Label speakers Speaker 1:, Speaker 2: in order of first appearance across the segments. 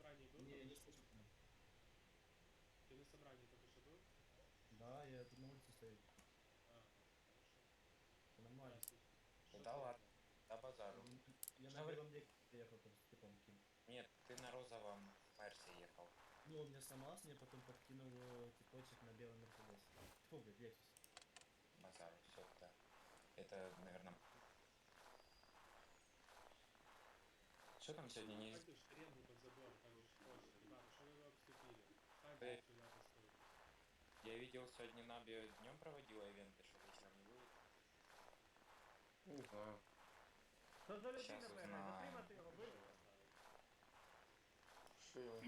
Speaker 1: собрании был?
Speaker 2: Не,
Speaker 1: только
Speaker 2: не
Speaker 1: что?
Speaker 2: слышу тебя.
Speaker 1: Ты на собрании только что был?
Speaker 2: Да, я тут на улице стою.
Speaker 1: А, хорошо.
Speaker 2: Все
Speaker 1: Да,
Speaker 2: нормально.
Speaker 1: слушай. Что
Speaker 3: Да ладно,
Speaker 1: стрельно?
Speaker 3: да базару.
Speaker 2: Я на
Speaker 3: Что вы...
Speaker 2: белом веке приехал тут с типом каким.
Speaker 3: Нет, ты на розовом Мерсе ехал.
Speaker 2: Ну, он меня сломался, мне потом подкинул типочек на белом Мерседесе. Фу, блядь, Лексус.
Speaker 3: Базару, все, да. Это, наверное... Что там сегодня не...
Speaker 1: Ставьте шеренгу под забор, так же позже. Ребята, что вы его обступили? Ставьте
Speaker 3: Э,
Speaker 1: сюда постой.
Speaker 3: Я видел, сегодня Наби днем проводила ивенты, что вечером не будет.
Speaker 4: Не знаю.
Speaker 5: Що за людина
Speaker 3: Щас
Speaker 5: бігає?
Speaker 3: узнаю.
Speaker 5: Затримати його,
Speaker 1: Хорошо
Speaker 5: быстро.
Speaker 1: поставил.
Speaker 4: Шило.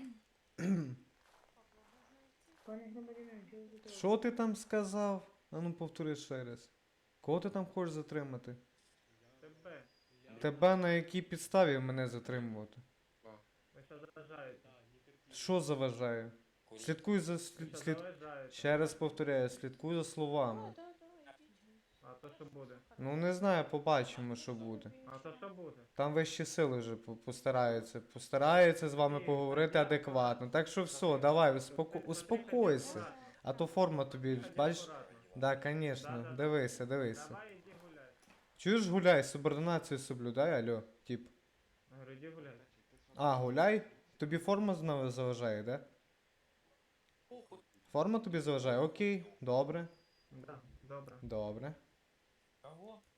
Speaker 6: Пане громадянин, чого ви тут робите?
Speaker 7: Що ти там сказав? А ну повтори ще раз. Кого ти там хочеш затримати?
Speaker 5: Тебе.
Speaker 7: Тебе на якій підставі мене затримувати?
Speaker 4: Да.
Speaker 5: Ви що заважаєте?
Speaker 1: Да, не терпи.
Speaker 7: Що заважає?
Speaker 3: Курить.
Speaker 7: Слідкуй за
Speaker 5: Ви що заважаєте?
Speaker 7: Ще раз повторяю, слідкуй за словами.
Speaker 5: А то що буде?
Speaker 7: Ну не знаю, побачимо, що буде.
Speaker 5: А то що буде?
Speaker 7: Там вищі сили вже постараються з вами поговорити адекватно. Так що все, давай, успокойся. А то форма тобі, бачиш? Да, звісно, дивися.
Speaker 5: Давай іди гуляй.
Speaker 7: Чуєш, гуляй, субординацію соблюдай, алло, тип.
Speaker 5: Говорю, іди гуляй.
Speaker 7: А, гуляй? Тобі форма знову заважає, да? Форма тобі заважає? Окей, добре,
Speaker 5: Да, добре.
Speaker 7: добре.
Speaker 3: Кого?